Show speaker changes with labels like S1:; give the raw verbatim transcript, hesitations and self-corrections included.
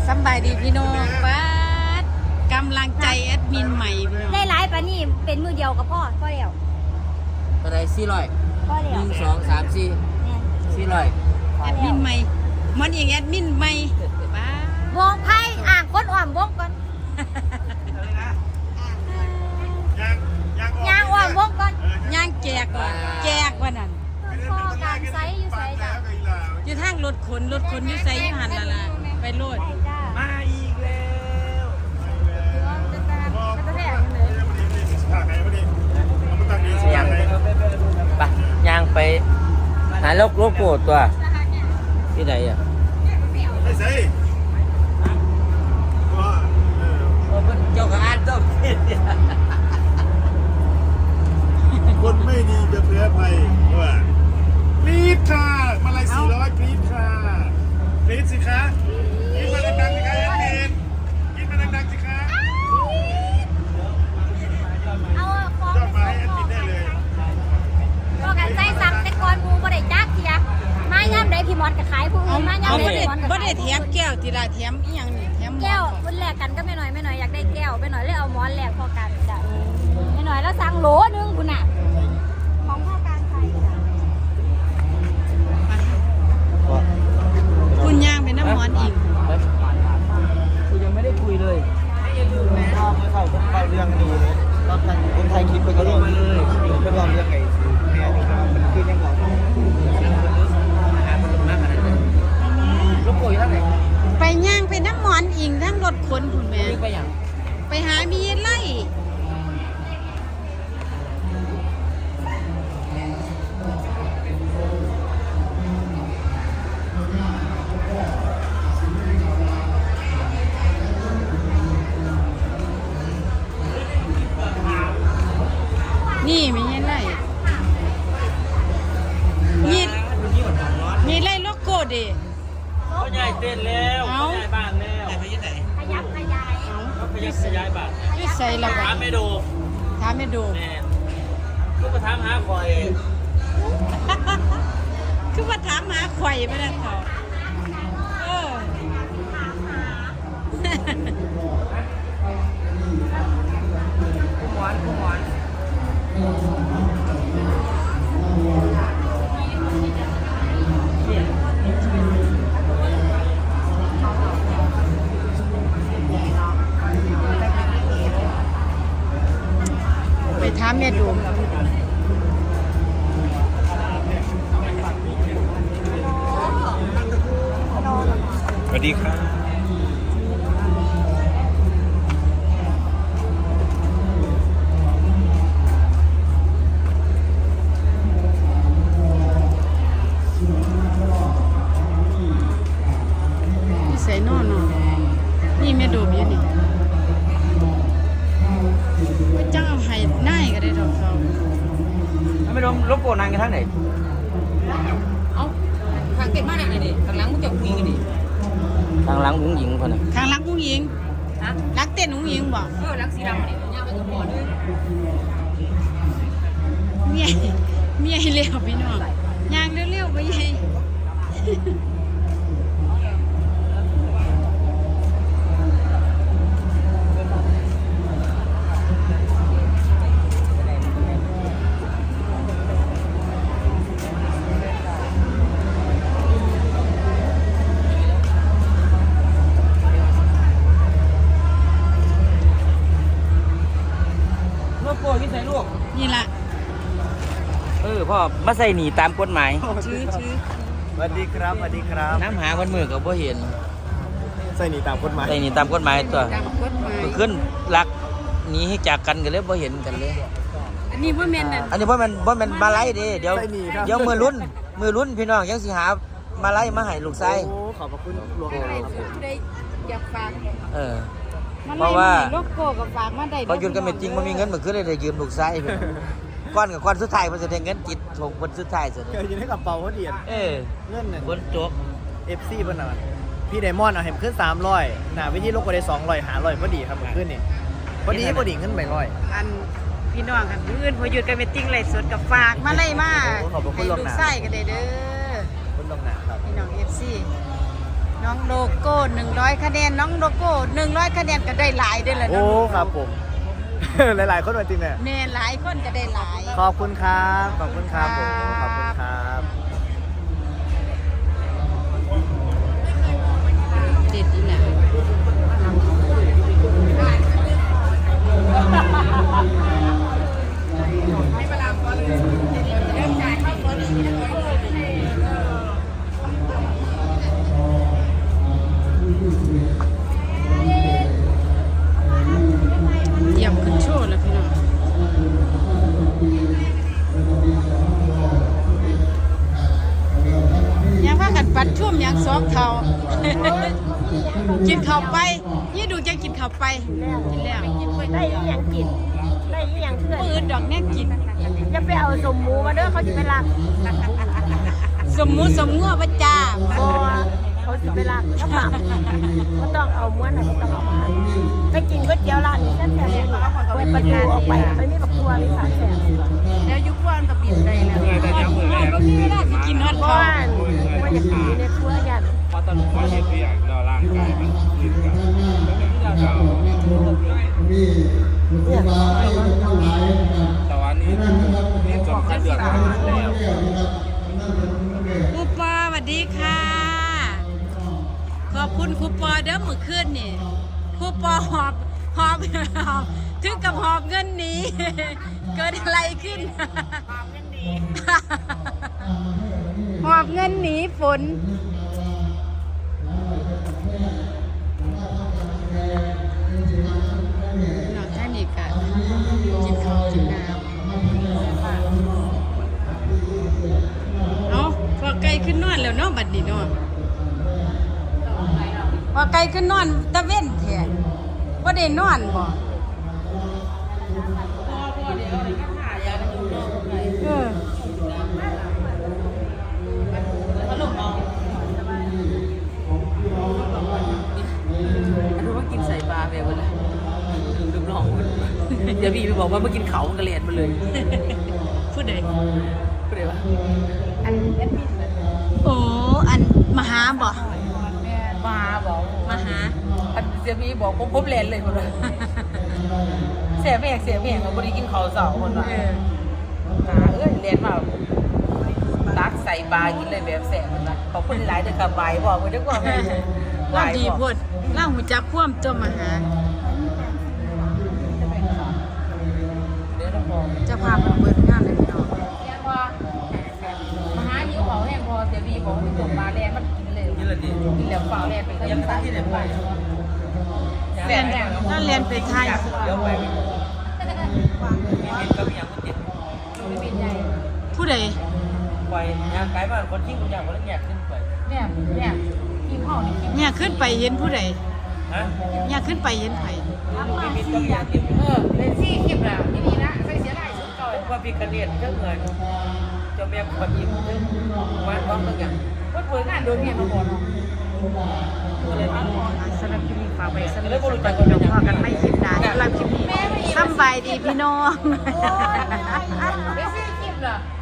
S1: สบายดีพี่น้องป้ากำลังใจแอดมินใหม่พี่น้อง
S2: ได้หลายปะนี่เป็นมือเดียวกับพ่อพ่อเดียว
S3: อะไรสี่ร้อย
S2: พ่อเดี
S3: ห
S2: ยว
S3: นึ่งสองสามสี่สี่ร้อย
S1: แอดมินใหม่มันเองแอดมินใหม่ป้าว
S2: งไพ่อ่างก้นอ่อมวงก่อนยางอ่อมวงก่อน
S1: ย่างแจกว่ะแจกว่านั่น
S2: พ่อการไซส์อยู่ไซส์จ้ะ
S1: อยู่ทางรถขนรถขนอยู่ไสอยู่หันละล่ะไปโลด
S2: ได้จ้า
S3: มาอีกแล้ว ยางไปยางไปหาโลกโลโก้ตัวที่ไหนอ่ะ
S4: ไม่ใช่ว่าเออ
S3: เจ้าของอ่านต้องคิด
S4: คนไม่ดีจะแพ้ภัยว่ากรี๊ดค่ะมาลายสี่ร้อยกรี๊ดค่ะกรี๊ดสิคะกรี๊ดมาดังๆสิคะแอดมินกรี๊ดมาดังๆสิคะ
S2: เอาของ
S4: ยอดมาให้แอดมินได้เลย
S2: พ่อการไซส์สั่งแต่ก่อนมูบ่ได้จักเทียมาย่ำได้พี่มอดกับขายผู้
S1: เอา
S2: อื่นมา
S1: เอา
S2: ย่ำได้
S1: บ่ได้
S2: พี่มอดกับ
S1: บ่
S2: ขา
S1: ได้
S2: ย
S1: แถมแก้วทีละแถมอีหยังนี่แถมหมอน
S2: แก้ว
S1: ก่อน
S2: คนแรกกันก็ไม่น้อยไม่น้อยอยากได้แก้วไม่น้อยเลยเอาหมอนแรกพ่อการจ้ะไม่น้อยแล้วสั่งโหลนึงคุณน่ะของพ่อการไซส์จ้ะ
S1: คุณย่างเป็นน้ำหมอนอีก
S3: กูยังไม่ได้คุยเลยเข้าเข้าเข้าเรื่องดีเลยตอนนั้นคนไทยคิดไปก็เรื่องเลยก็ลองเรื่องไงแม่มันคือยังไงหาคนมากขนาดนั้นลูกโป่งอยู่ท่าไหน
S1: ไปย่างเป็นน้ำหมอนอิงทั้งรถขนคุณแม่
S3: ไปอย่าง
S1: ไปหามีไล่นี่มีไล่มีมีไล่โลโก้ดิ
S3: เขาใหญ่เต้นแล้วเขาใหญ่บ้านแล้วไปยังไหน
S2: ขยับขยาย
S3: เขาไปยังขยายบ้าน
S1: นี่ใส่ละ
S3: ถามไม่ดู
S1: ถามไม่ดู
S3: แน่ลูกก็ถามหาคอย
S1: คือว่าถามหาไข่ไปแล้วเขาเออ
S3: ผู้หวานผู้หวาน
S1: ไปถามแม่ดู
S4: สวัสดีครับ
S1: นี่ใส่นอนเนาะนี่แม่ดูอยู่นี่ว่าจ้างเอาให้นายก็ได้ดอกเขา
S3: ถ้าไม่รู้ลูกโป่งนางกันทั้งไหน
S1: เอาทางเก็บมาได้ดิทางหลังมึงจะคุยกันดิ
S3: ทางหลังบุ้งหญิงคนน่ะ
S1: ทางหลังอุ้งยิงฮะหลังเต้นอุ้งยิงบ่
S5: เออลักสีดำเนี่ยย่าไปกับหมอด้วย
S1: เมียเมียเร็วพี่น้องย่างเร็วๆไปยัย
S3: ลูกโป่งที่ใส่ลูก
S1: นี่ล่ะ
S3: เออพ่อมาใส่หนีตามกฎหมาย
S1: ชื่อชื่อ
S4: สวัสดีครับสวัสดีครับ
S3: น้ำหาคนมือกับพ่เห็น
S4: ใส่หนีตามกฎหมาย
S3: ใส่หนีตามกฎหมายตัว
S1: ตามกฎหมาย
S3: ขึ้นรักหนีให้จากกันกันเลยพ่เห็นกันเลย
S1: อันนี้ว่าแม่นนั่น
S3: อันนี้พ่มันพ่มันมาไล่เด้เดี๋ยว
S4: ใส่หนีครับ
S3: เดี๋ยวมือรุ่นมือรุ่นพี่น้องยังสิหามาไล่มาให้ลูกชาย
S4: โอ้ขอบพระคุณหลวง
S1: ให้
S4: ครับ
S1: ผู้ใดอยากฝาก
S3: เออ
S1: มัน
S3: เพราะว่า
S1: โลโก้กับฝากมาได้
S3: พอหยุดกันไม่จริงมันมีเงินมันขึ้นเลยได้ยืมลูกชายไปก้อนกับก้อนสุดท้ายมันจะได้เงินจิตถงคนสุดท้ายสุด
S4: เคยยินให้กับเปาเขาเดียน
S3: เออ
S4: เงื่อนน่ะ
S3: คนจก
S4: เอฟซีเพิ่นน่ะพี่ไดมอนด์เอาเห็นขึ้นสามร้อยหน้าวิธีโลกก็ได้สองร้อยหาร้อยพอดีครับมันขึ้นนี่พอดีพอดีขึ้นไปร้อย
S1: อันพี่น้องกันมื้ออื่นพอหยุดกันไม่จริงไลฟ์สดกับฝากมาไล่มา
S4: โอ้ขอบพระคุ
S1: ให้
S4: ณล่วง
S1: ลู
S4: ห
S1: ก
S4: น้า
S1: ไส้ก็ได้เด้อ
S4: คุณลงหนาครับ
S1: พี่น้อง เอฟ ซีน้องโลโก้หนึ่งร้อยคะแนนน้องโลโก้หนึ่งร้อยคะแนนก็ได้หลายได้เลย
S3: โอ้
S1: น้อง
S3: ครับผม หลายๆคนมาจริงเนี่ย
S1: แม่หลายคนก็ได้หลาย
S3: ขอบคุณครับขอบคุณครับผมขอบคุณครับ
S1: เด็ดอีหล่ะเยี่ยมขึ้นโชว์แล้วพี่น้องยังว่ากันปัดชุ่มยังสองเท่า กินข้าวไปยี่ดูจะกินข้าวไปกินแล้ว
S2: ได้อีหยังกินได้อีหยังเพื่อน
S1: มือดอกแน่กิน
S2: อย่าไปเอาสมหมูมาเด้อเขาจะไปลัก
S1: สมมุติสมงัวประจ้า
S2: บอเขาจะไปลักก็ปรับก็ต้องเอาม้วนไหนก็ต้องเอามาไปกินก๋วยเตี๋ยวร้านนี้แซ่บๆเลยเปิดประตูออกไปไม่มีบักทัวมีสามแสน
S1: แล้วยุควันกับบินได้แล้วก็มีเวลาจะกินฮอต
S2: เพราะ
S1: ข้าว
S2: ว่ามันอยากกินในครัวยัน
S4: เพราะตอนมาเห็นตัวอย่างเราร่างกายมันยืดกันแต่ว่านี่นี่จนขั้นเดือดร้อนแล้ว
S1: ครูปอสวัสดีค่ะ ขอบคุณครูปอเด้อมื้อคืนนี่ครูปอหอบหอบหอบถึงกับหอบเงินหนี เกิดอะไรขึ้น หอบเงินหนีฝนนอกจากนี้ก็กินข้าวกินน้ำเอาพอไกลขึ้นนอนแล้วเนาะบัดนี้เนาะพอไกลขึ้นนอนตะเว้นแท้บ่ได้นอนบ่เออ
S5: รู้ว่ากินใส่ปลาไปวันละลืมลองเดี๋ยวพี่ไปบอกว่าเมื่อกินเขากระเลียดมาเลย
S1: พูดได้
S5: ก็เลยว่า
S1: โอ้อันมหาบ่
S5: มาบอก
S1: มหา
S5: อันเสียพี่บอกผมผมเลียนเลยคนละเสียแม่เสียแม่เขาไม่ได้กินเขาสองคนละ
S1: เออ
S5: หาเอ้ยเลียนมาตักใส่ปลากินเลยแบบแสบมันละเขาคนหลายเด็กขับใบบอกว่าจะกว่าไม่
S1: ว่าดีโพดเล่าหูจักความตัวมหา
S5: เดี๋ยวเราบอก
S1: เจะพาพมันเปิดงานเลยพี่น้อง
S5: เรียกว่ามาหายิ้วเขาแห้งพอเสียบีบอกว่าจบมาแลนมันกินเลยกินเลยดิกินแล้วเปล่าแลนไปยังตั้งที่ไหนไป
S1: เรียนนั่นเรียนไปไทย
S5: เดี๋ยวไปมีมินก็มีอย่างคนจิตมีมินใหญ่
S1: ผู้ใด
S5: ไปงานไกลบ้านคนที่คุณอยากคนละแยกขึ้นไปเนี่ยเนี่ยทีมห่อนี่ทีม
S1: เนี่ยขึ้นไปเห็นผู้ใด
S5: ฮะ
S1: เนี่ยขึ้นไปเห็นไผ
S5: มีมินก็มีอย่างทีมเออเป็นซี่คลิปแล้วที่นี่นะใส่เสียหลายชุดก่อนว่าพี่กระเดียดเจ้าเงินจะแม่คนยิ้มเจ้าวันต้องต้องอย่างว่าเปิดงานโดนเนี่ยมาบอกเนาะ
S1: สำหรับคลิปนี้ฝากไปสำหรับพี่น้องพอกันไม่คลิปหน้าสำหรับคลิปนี้สำบายดีพี่น้อง
S5: เป็นซี่คลิปเหรอ